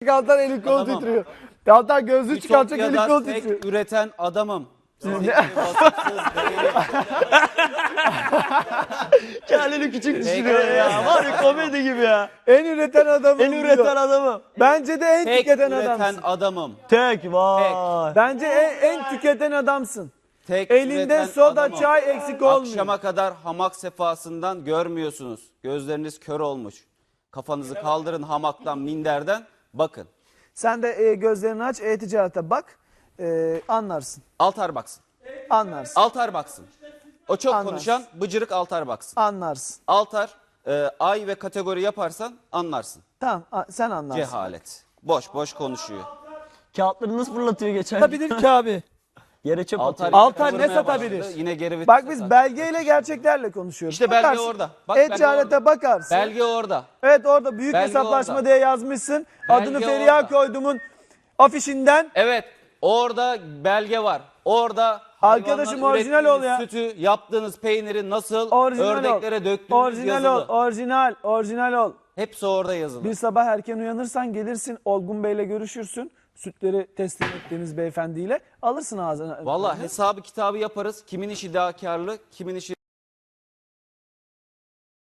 Altan eli kol Adamım. titriyor. Altan gözlüğü çıkartacak eli kol Ütopya'da titriyor. tek üreten adamım. Kendini küçük düşürüyor ya. Var ya komedi gibi ya. En üreten adamım En üreten adamı. Bence de en Tek tüketen üreten adamsın. adamım. Tek vay. Bence en tüketen adamsın. Tek Elinde üreten soda, adamım. çay eksik olmuyor. Akşama kadar hamak sefasından görmüyorsunuz. Gözleriniz kör olmuş. Kafanızı kaldırın hamaktan, minderden. Bakın. Sen de gözlerini aç, e-ticarete bak. Anlarsın. Altar baksın. Anlarsın. Altar baksın. O çok Anlarsın. konuşan bıcırık altar baksın. Anlarsın. Altar, ay ve kategori yaparsan anlarsın. Tamam, sen anlarsın. Cehalet. Boş boş konuşuyor. Kağıtları nasıl fırlatıyor geçen gün? Satabilir ki abi. Yere çöp atıyor. Altar ne vurmaya satabilir? başladı, Yine geri vites Bak biz satar. belgeyle gerçeklerle konuşuyoruz. İşte belge Bakarsın. orada. Bak belge E-ticarete orada. bakarsın. Belge orada. Evet orada büyük Belge hesaplaşma orada. diye yazmışsın. Belge Adını Feriha orada. koydumun afişinden. Evet. Orada belge var. Orada Arkadaşım hayvandan orijinal ol ya. ürettiğiniz sütü, yaptığınız peyniri nasıl Orijinal ördeklere ol. döktüğünüz Orijinal yazılı. ol. Orijinal ol. Hepsi orada yazılı. Bir sabah erken uyanırsan gelirsin Olgun Bey'le görüşürsün. Sütleri teslim ettiğiniz beyefendiyle alırsın ağzına. Vallahi hesabı kitabı yaparız. Kimin işi daha karlı, kimin işi